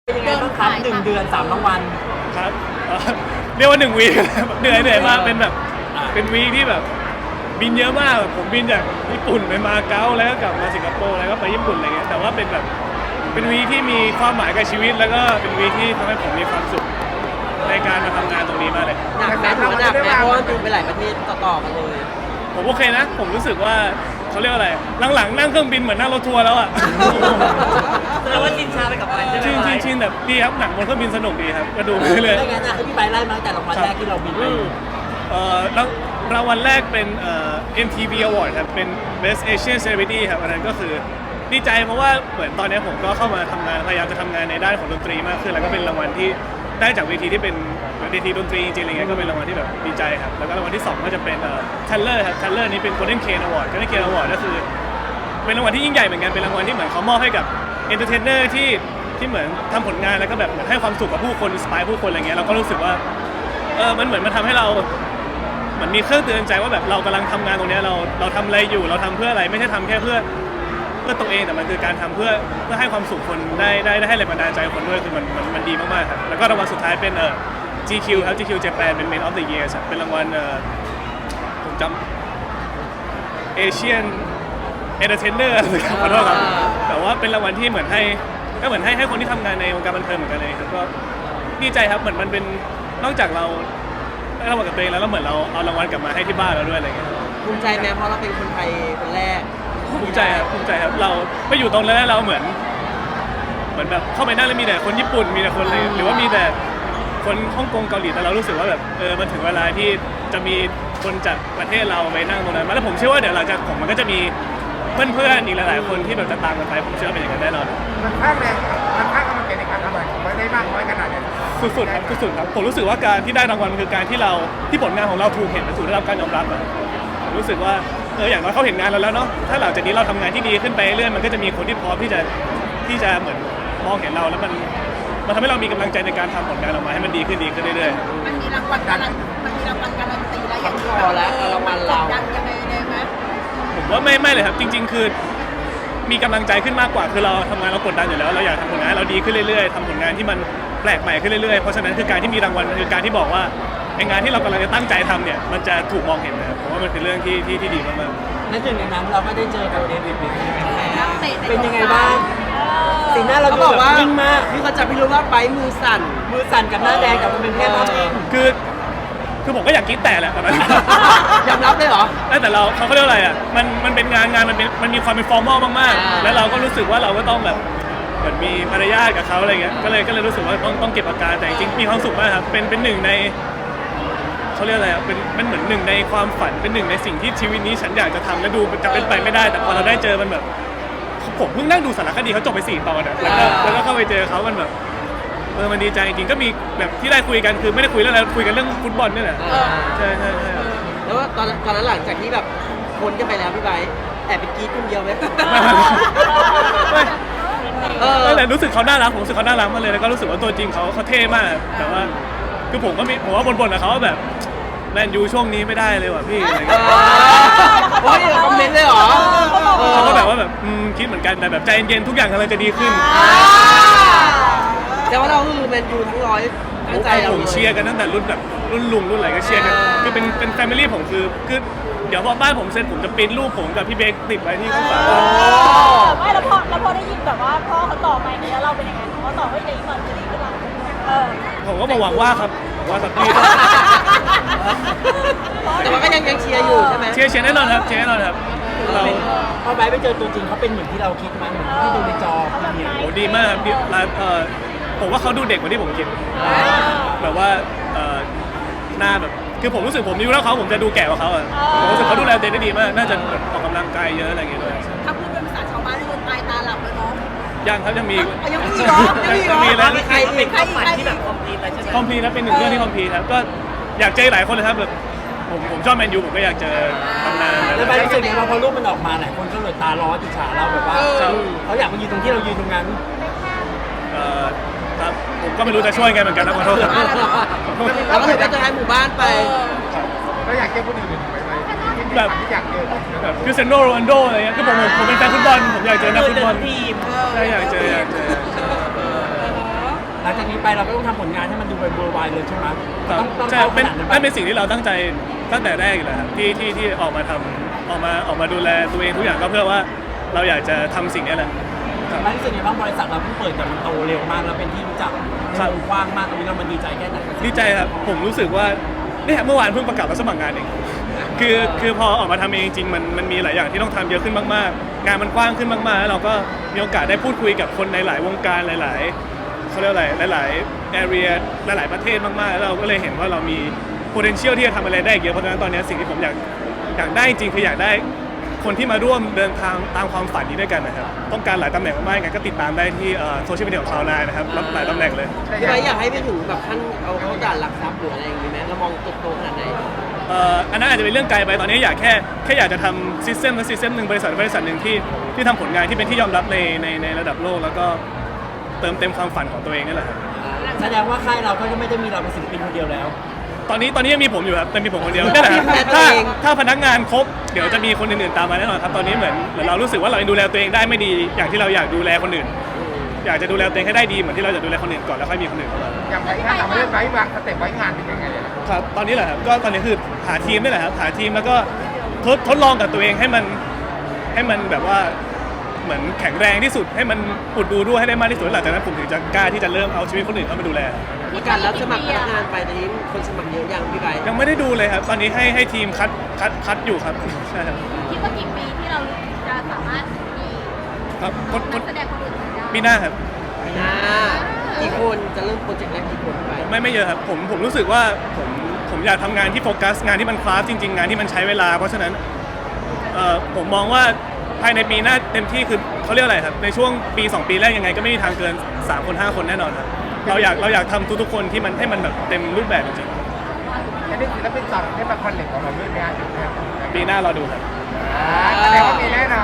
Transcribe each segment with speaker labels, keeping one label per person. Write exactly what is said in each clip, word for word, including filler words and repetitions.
Speaker 1: เป็นยังไงบ้างครับหนึ่งเดือนสามรางวัล
Speaker 2: ครับเอ่อเรียกว่าหนึ่งวีคเหนื่อยเหนื่อยมากเป็นแบบเป็นวีคที่แบบบินเยอะมากผมบินจากญี่ปุ่นไปมาเก๊าแล้วก็กลับมาสิงคโปร์แล้วก็ไปญี่ปุ่นอะไรเงี้ยแต่ว่าเป็นแบบเป็นวีคที่มีความหมายกับชีวิตแล้วก็เป็นวีคที่ทำให้ผมมีความสุขในการมาทำงานตรงนี้มากเลย
Speaker 1: หนักไหมถือว่าหนักไหมเพราะว่าบินไปหลายประเทศต่อๆกันเลย
Speaker 2: ผมโอเคนะผมรู้สึกว่าเขาเรียกว่าอะไรหลังๆนั่งเครื่องบินเหมือนนั่งรถทัวร์แล้วอ่ะ
Speaker 1: แสดงว่าชินชาไปกับมันใช่ไหม
Speaker 2: ชินชินชินแบบดีครับหนังบนเครื่องบินสนุกดีครับก็ดูไปเรื่อย
Speaker 1: ไม่งั้นนะให้พี่ใบไล่มาตั้งแต่รางวัลแรกที่เราบินไป
Speaker 2: เอ่อรางรางวัลแรกเป็นเอ่อ เอ็ม ที วี Award ครับเป็น Best Asian Celebrity ครับอันนั้นก็คือดีใจเพราะว่าเหมือนตอนนี้ผมก็เข้ามาทำงานพยายามจะทำงานในด้านของดนตรีมากขึ้นแล้วก็เป็นรางวัลที่ได้จากเวทีที่เป็นเวทีดนตรีจริงๆอะไรเงี้ยก็เป็นรางวัลที่แบบดีใจครับแล้วก็รางวัลที่สองก็จะเป็นเอ่อ Taylor ครับ Taylor นี้เป็น Golden Cane Award Golden Cane Award ก็คือเป็นรางวัลที่ยิ่งใหญ่เหมือนกันเป็นรางวัลที่เหมือนเขามอบให้กับ entertainer ที่ที่เหมือนทำผลงานแล้วก็แบบเหมือนให้ความสุขกับผู้คนอินสไปร์ผู้คนอะไรเงี้ยเราก็รู้สึกว่าเออมันเหมือนมันทำให้เราเหมือนมีเครื่องเตือนใจว่าแบบเรากำลังทำงานตรงนี้เราเราทำอะไรอยู่เราทำเพื่ออะไรไม่ใช่ทำแค่เพื่อเพื่อตัวเองแต่มันคือการทำเพื่อเพื่อให้ความสุขคนได้ได้ได้ให้แรงบันดาลใจคนด้วยคือมันมันมันดีมากๆครับแล้วก็รางวัลสุดท้ายเป็นเอ่อ จี คิว ครับ จี คิว Japan เป็น Man of the Year ครับเป็นรางวัลเอ่อผมจำ Asian Entertainer ขอโทษครับแต่ว่าเป็นรางวัลที่เหมือนให้ก็เหมือนให้ให้คนที่ทำงานในวงการบันเทิงเหมือนกันเลยครับก็ดีใจครับเหมือนมันเป็นนอกจากเราได้รางวัลกับตัวเองแล้วแล้วเหมือนเราเอารางวัลกลับมาให้ที่บ้านเราด้วยอะไรเงี้ย
Speaker 1: ภูมิใจไหมเพราะเราเป็นคนไทยคนแรก
Speaker 2: ภูมิใจครับภูมิใจครับเราไปอยู่ตรงนั้นแล้วเราเหมือนเหมือนแบบเข้าไปนั่งแล้วมีแต่คนญี่ปุ่นมีแต่คนเลยหรือว่ามีแต่คนฮ่องกงเกาหลีแต่เรารู้สึกว่าแบบเออมันถึงเวลาที่จะมีคนจากประเทศเราไปนั่งตรงนั้นมาแล้วผมเชื่อว่าเดี๋ยวหลังจากผมมันก็จะมีเพื่อนๆอีกหลายๆคนที่แบบจะตามกันไปผมเชื่อเป็นอย่างนั้นแน่นอน
Speaker 3: มันภาคแรงมันภาคกำลังใจในการทำงานของมันได้มากน้อยขนาดไหน
Speaker 2: สุดๆครับสุดๆครับผมรู้สึกว่าการที่ได้รางวัลคือการที่เราที่ผลงานของเราถูกเห็นและถูกได้รับการยอมรับอะผมรู้สึกว่าเอออย่างน้อยเขาเห็นงานเราแล้วเนาะถ้าหลังจากนี้เราทำงานที่ดีขึ้นไปเรื่อยมันก็จะมีคนที่พร้อมที่จะที่จะเหมือนมองเห็นเราแล้วมันมันทำให้เรามีกำลังใจในการทำผลงานออกมาให้มันดีขึ้นดีขึ้นเรื่อยๆ
Speaker 4: มันมีรางวัลการันมันมีรางวัลการันตีแล้วอย่าง
Speaker 1: พอแล้วรางวัลเรา
Speaker 4: ดันยังไงได้ไหม
Speaker 2: ผมว่าไม่ไม่เลยครับจริง ๆ คือมีกำลังใจขึ้นมากกว่าคือเราทำงานเรากดดันอยู่แล้วเราอยากทำผลงานเราดีขึ้นเรื่อยๆทำผลงานที่มันแปลกใหม่ขึ้นเรื่อยๆเพราะฉะนั้นคือการที่มีรางวัลคือการที่บอกว่าไองานที่เรากำลังจะตั้งใจทำเนี่ยมันจะถูกมองเห็นนะครับผมว่ามันคือเรื่องที่ที่ที่ดีมากๆ
Speaker 1: และหนึ่งในนั้นเราก็ได้เจอกับเดวิดเบคแฮม
Speaker 4: นักเตะ
Speaker 1: เป็นยังไงบ้างสีหน้าเราบอกว่านิ่งมากพี่เขาจับพี่รู้ว่าไปมือสั่นมือสั่นกับหน้าแดงกับมันเป็นแค่ภาพนิ่ง
Speaker 2: คือคือผมก็อยากกรี๊ดแต่แหละตอนนั้น
Speaker 1: ยอมรับเลยเหรอ
Speaker 2: แต่เราเขาเขาเรียกอะไรอ่ะมันมันเป็นงานงานมันเป็นมันมีความเป็นฟอร์มอลมาก
Speaker 1: อ่า
Speaker 2: ๆแล้วเราก็รู้สึกว่าเราก็ต้องแบบเหมือนมีมารยาทกับเขาอะไรเงี้ยก็เลยก็เลยรู้สึกว่าต้องต้องเก็บอาการแต่จริงๆมีความสุขมากครับเป็นเป็นหนึ่งในเขาเรียกอะไรอ่ะเป็นเป็นเหมือนหนึ่งในความฝันเป็นหนึ่งในสิ่งที่ชีวิตนี้ฉันอยากจะทำและดูมันจะเป็นไปไม่ได้แต่พอเราได้เจอมันแบบผมเพิ่งนั่งดูสารคดีเขาจบไปสี่ตอนอ่ะแล้วก็แล้วก็เข้าไปเจอเขามันแบบเออมันดีใจจริงๆก็มีแบบที่ได้คุยกันคือไม่ได้คุยเรื่องอะไรคุยกันเรื่องฟุตบอลนี่แหละใช่ใช่ใช่
Speaker 1: แล้วว่าตอนตอนนั้นหลังจากที่แบบพ้นกันไปแล้วพี่ไบร์ทแอบไปกรี๊ดคนเดียวไหม
Speaker 2: ไม่
Speaker 1: เออ
Speaker 2: นั่นแหละรู้สึกเขาน่ารักผมรู้สึกเขาน่ารักมากเลยแล้วก็รู้สึกว่าตัวจริงเขาเขาเท่มากแต่ว่าคือผมก็มีผมว่าบ่นๆกับเขาว่าแบบแมนยูช่วงนี้ไม่ได้เลยว่ะพี่อะไรเงี้ย
Speaker 1: โอ้ยคอมเมนต์เลยเหรอ
Speaker 2: เขาก็แบบว่าแบบอืมคิดเหมือนกันแต่แบบใจเย็นๆทุกอย่างกำลังจะดีขึ้น
Speaker 1: แต่ว่าเราคือแมนยูทั้งร้อยทั้งใจเรา
Speaker 2: ผมเชียร์กันตั้งแต่รุ่นแบบรุ่นลุงรุ่นอะไรก็เชียร์กันคือเป็นเป็นแฟมิลี่ผมคือคือเดี๋ยวพอบ้านผมเสร็จผมจะปริ้นรูปผมกับพี่เบคติดไว้ที่ข้างฝาบ้าน
Speaker 5: ไม่แล้วพอแล้วพอได้ยินแบบว่าพ่อเขาต่อไปเนี่ยแล้วเราเป็นยังไงเขาต่อให้ได้ยินมันจะดีขึ้นหรอเออ
Speaker 2: ผมก็บอกหวังว่าครับหวังว่าครับพี่
Speaker 1: แต่ว่าก็ยังยังเชียร์อยู่ใช่ไหม
Speaker 2: เชียร์เชียร์แน่นอนครับเชียร์แน่นอนครับเรา
Speaker 1: พอไบร์ทไปเจอตัวจริงเขาเป็นเหมือนที่เราคิดมั้ยเหมือนที่ดูในจอพรีเมียร์
Speaker 2: โอ้ดีมากครับดีร้านเอ่อผมว่าเขาดูเด็กกว่าที่ผมคิดแบบว่าเอ่อหน้าแบบคือผมรู้สึกผมอายุแล้วเขาผมจะดูแก่กว่าเขาอ่ะผมรู้สึกเขาดูแลตัวเองได้ดีมากน่าจะออกกำลังกายเยอะอะไรอย่างเงี้ยด้วย
Speaker 4: ถ้าพูดเป็นภาษาชาวบ้านคือตายตาหลับเลยเนาะ
Speaker 2: ยังครับยังมี
Speaker 4: ยังมีเหรอยังมีเหรอ
Speaker 2: มีแล้ว
Speaker 1: มีใครอีก
Speaker 4: ใครอีกใครอีก
Speaker 2: คอมพลีนะเป็นหนึ่งเรื่องที่คอมพลีครับก็อยากเจอหลายคนเลยครับแบบผมผมชอบแมนยูผมก็อยากเจอตำนาน
Speaker 1: แล้วไบร์ทรู้สึกไงว่าพอรูปมันออกมาหลายคนก็เลยตาร้อนอิจฉาเราแบบว่าเขาอยากมายืนตรงที่เรายืนตรงนั้น
Speaker 2: เอ่อครับผมก็ไม่รู้จะช่วยไงเหมือนกันนะขอโทษครับ
Speaker 1: แล้วก็เลยก็จะให้หมู่บ้านไป
Speaker 3: เราอยากเจอคนอื่นไหมแบบที่อยากเจอ
Speaker 2: แบบคริสเตียโนโรนัลโดอะไรเงี้ยคือผมผมเป็นแฟนฟุตบอลผมอยากเจอนักฟุตบอล
Speaker 1: ทีม
Speaker 2: ใช่อยากเจออยากเจอ
Speaker 1: แหลังจากนี้ไปเราก็ต้องทำผลงานให้มันดูเป็นเวอร์ไวเลยใช่ไหม
Speaker 2: ครับ
Speaker 1: ต้องต้อง
Speaker 2: ใช่
Speaker 1: เข้าข
Speaker 2: เป็น
Speaker 1: นาดนั้น
Speaker 2: นั่น
Speaker 1: ปะ
Speaker 2: เป็นสิ่งที่เราตั้งใจตั้งแต่แรกอยู่แล้วครับที่ที่ที่ออกมาทำออกมาออกมาดูแลตัวเองทุกอย่างก็เพื่อว่าเราอยากจะทำสิ่งนี้แหละครับ
Speaker 1: แล้วรู้สึกยังไงบ้างบริษัทเราเพิ่งเปิดแต่มันโตเร็วมากแล้วเป็นที่รู้จัก
Speaker 2: ครับ
Speaker 1: วงกว้างมากตรงนี้เรามันดีใจแค่ไหน
Speaker 2: ดีใจครับผมรู้สึกว่าเนี่ยเมื่อวานเพิ่งประกาศรับสมัครงานเองคือคือพอออกมาทำเองจริงๆมันมันมีหลายอย่างที่ต้องทำเยอะขึ้นมากๆ งานมันกว้างขึ้นมากๆแล้วเราก็มีโอกาสได้พูดคุยกับคนในหลายวงการหลายๆเขาเรียกอะไรหลายๆ area หลายๆประเทศมากๆแล้วเราก็เลยเห็นว่าเรามี potential ที่จะทำอะไรได้อีกเยอะเพราะฉะนั้นตอนนี้สิ่งที่ผมอยากอยากได้จริงๆคืออยากได้คนที่มาร่วมเดินทางตามความฝันนี้ด้วยกันนะครับต้องการหลายตำแหน่งมากๆงั้นก็ติดตามได้ที่โซเชียลมีเดียของคลาวน์ไนน์นะครับรับหลายตำแหน่งเลย
Speaker 1: พี่ไบร์ทอยากให้ไปถึงแบบขั้นเอาเขาด่านหลักทรัพย์หรืออะไรอย่างนี้ไหมเรามองโตๆขนาดไหน
Speaker 2: เอ่ออันนั้นอาจจะเป็นเรื่องไกลไปตอนนี้อยากแค่แค่อยากจะทำซิสเต็มและซิสเต็มหนึ่งบริษัทบริษัทหนึ่งที่ที่ทำผลงานที่เป็นที่ยอมรับในในในระดับโลกแล้วก็เติมเต็มความฝันของตัวเองนี่แหละครับ
Speaker 1: แสดงว่าค่ายเราก็ไม่ได้มีเราเป็นศิลปินคนเดียวแล้ว
Speaker 2: ตอนนี้ตอนนี้ยังมีผมอยู่ครับแต่มีผมคนเดียวนี่แหละครับ
Speaker 1: มีแพลนตัว
Speaker 2: ถ้า
Speaker 1: เอง
Speaker 2: ถ้าพนักงานครบเดี๋ยวจะมีคนอื่นๆตามมาแน่นอนครับตอนนี้เหมือนเหมือนเรารู้สึกว่าเรายังดูแลตัวเองได้ไม่ดีอย่างที่เราอยากดูแลคนอื่น อยากจะดูแลตัวเองให้ได้ดีเหมือนที่เราจะดูแลคนอื่นก่อนแล้วค่อยมีคนอื่นเข้ามา
Speaker 3: อย่างไรถ้าทำเรื่องไว้วางสเต็ปไว้งานเป็นยังไงอะ
Speaker 2: ครับตอนนี้แหละครับก็ตอนนี้คือหาทีมนี่แหละครับหาทีมแล้วก็ทดทดลองกับตัวเองให้มันให้มันแบบว่าเหมือนแข็งแรงที่สุดให้มันอุดดูด้วยให้ได้มากที่สุดหลังจากนั้นผมถึงจะกล้าที่จะเริ่มเอาชีวิตคนอื่นเข้ามาดูแล
Speaker 1: ประกาศรับสมัครพนักงานไปตอนนี้คนสมัครเยอะยังพี่ไบร์ท
Speaker 2: ยังไม่ได้ดูเลยครับตอนนี้ให้ให้ทีมคัดคัดคัดอยู่ครับใช่ครับ
Speaker 5: คิดว่ากี่ปีที่เราจะสามารถมี
Speaker 2: ครับคนค
Speaker 5: นั
Speaker 2: น
Speaker 5: กแสดงคนอื่นได้
Speaker 2: ปีหน้าครับ
Speaker 1: อ่ากี่คนจะเริ่มโปรเจกต์แรกกี่คนไป
Speaker 2: ไม่ไม่เยอะครับผมผมรู้สึกว่าผมผมอยากทำงานที่โฟกัสงานที่มันคลาสจริง ๆ งานที่มันใช้เวลาเพราะฉะนั้นเอ่อผมมองว่าภายในปีหน้าเต็มที่คือเขาเรียกอะไรครับในช่วงปีสองปีแรกยังไงก็ไม่มีทางเกินสามคนห้าคนแน่นอนครับเราอยากเราอยากทำทุกๆคนที่มันให้มันแบบเต็มรูปแบบจริง
Speaker 3: จะได้ศิลปินต่างได้มาคอนเนคกับเราด้วยไหมฮะ
Speaker 2: ๆปีหน้ารอดูครับ
Speaker 3: อ่าแสดงว่ามีแน่นอน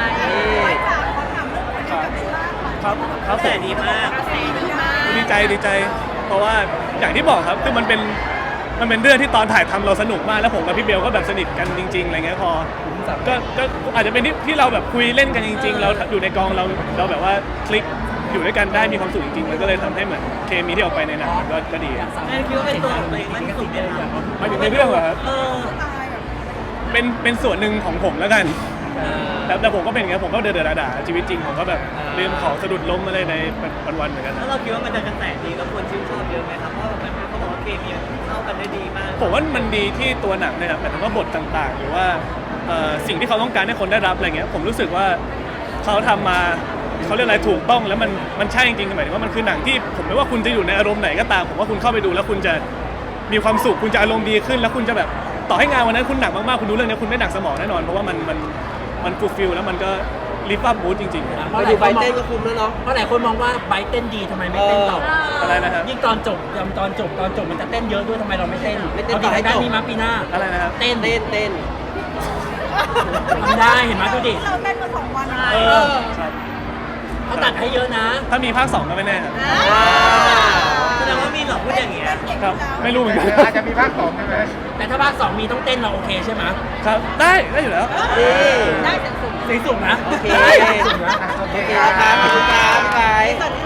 Speaker 2: ครับครับแต่ดีมาก
Speaker 5: กระแสดีมาก
Speaker 2: ดีใจดีใจ เพราะว่าอย่างที่บอกครับคือมันเป็นมันเป็นเรื่องที่ตอนถ่ายทำเราสนุกมากแล้วผมกับพี่เบลก็แบบสนิทกันจริงๆอะไรเงี้ยพอก็ก็อาจจะเป็นที่ที่เราแบบคุยเล่นกันจริง ๆ เราอยู่ในกองเราเราแบบว่าคลิกอยู่ด้วยกันได้มีความสุขจริงๆมันก็เลยทำให้เหมือนเคมีที่ออกไปในหนังมันก็ก็ดี
Speaker 1: แม่คิดว่าเป็นตัวของตัวเองมากที่สุดเลยอะ
Speaker 2: หมายถึงในเรื่องเหรอครับ
Speaker 1: เออ
Speaker 2: เป็นเป็นส่วนหนึ่งของผมแล้วกันแต่แต่ผมก็เป็นอย่างเงี้ยผมก็เดือดๆด่าๆชีวิตจริงผมก็แบบลืมของสะดุดล้มอะไรในวันๆเหมือนกันนะ
Speaker 1: ถ้าเราคิดว่ามันจะกระแสดีก็ควรชื่นชอบเยอะไหมครับเพราะว่าแบบเขาบอกว่าเคมีเข้ากันได้ดีมาก
Speaker 2: ผมว่ามันดีที่ตัวหนังนะครับหมายถึงว่าบทต่างๆ หรือว่าเอ่อสิ่งที่เขาต้องการให้คนได้รับอะไรเงี้ยผมรู้สึกว่าเขาทำมาเขาเรียกอะไรถูกต้องแล้วมันมันใช่จริงๆหมายถึงว่ามันคือหนังที่ผมไม่ว่าคุณจะอยู่ในอารมณ์ไหนก็ตามผมว่าคุณเข้าไปดูแล้วคุณจะมีความสุขคุณจะอารมณ์ดีขึ้น แล้วคุณจะแบบต่อให้งานวันนั้นคุณหนักมากๆคุณดูเรื่องนี้คุณไม่หนักสมองแน่นอนเพราะว่ามันมันมันฟูลฟิลแล้วมันก็ลิฟต์อัพมูดจริง
Speaker 1: เพราะดูไบเต้นก็คุ้มแล้วเนาะเพราะหลายคนมองว่าไบเต้นดีทำไมไม่เต้นต่อ
Speaker 2: ๆอะไรนะครับ
Speaker 1: ยิ่งตอนจบตอนจบตอนจบมันจะเต้นเยอะด้วยทำไมเราไม่เต้น
Speaker 6: ไม่เต้นต่อให้
Speaker 1: ได้
Speaker 6: จบ
Speaker 1: มีมาปีหน้า
Speaker 2: อะไรนะครับ
Speaker 1: เต้น
Speaker 6: เต้นเต้น
Speaker 1: ทำได้เห็นไหมดูดิ
Speaker 4: เราเต้นมาสองวัน
Speaker 1: เออ
Speaker 2: ครับ
Speaker 1: เขาตัดให้เยอะนะ
Speaker 2: ถ้ามีภาคสองก็ไม่แน่ครับ
Speaker 1: แสดงว่ามีหลอกพูดอย่างเงี้ย
Speaker 2: ครับไม่รู้เหมือนกัน
Speaker 3: อาจจะมีภาคสองใช่ไหม
Speaker 1: แต่ถ้าภาคสองมีต้องเต้นเราโอเคใช่ไหม
Speaker 2: ครับได้ได้อยู่แล้ว
Speaker 6: นี่
Speaker 4: ได้เสียงสูง
Speaker 1: สีสุกนะ
Speaker 6: โอเค
Speaker 1: ได้สีสุกนะ
Speaker 3: โอเค
Speaker 6: โอเคนะครับขอบคุณครับพี่ไบร์ท
Speaker 4: สวัสดี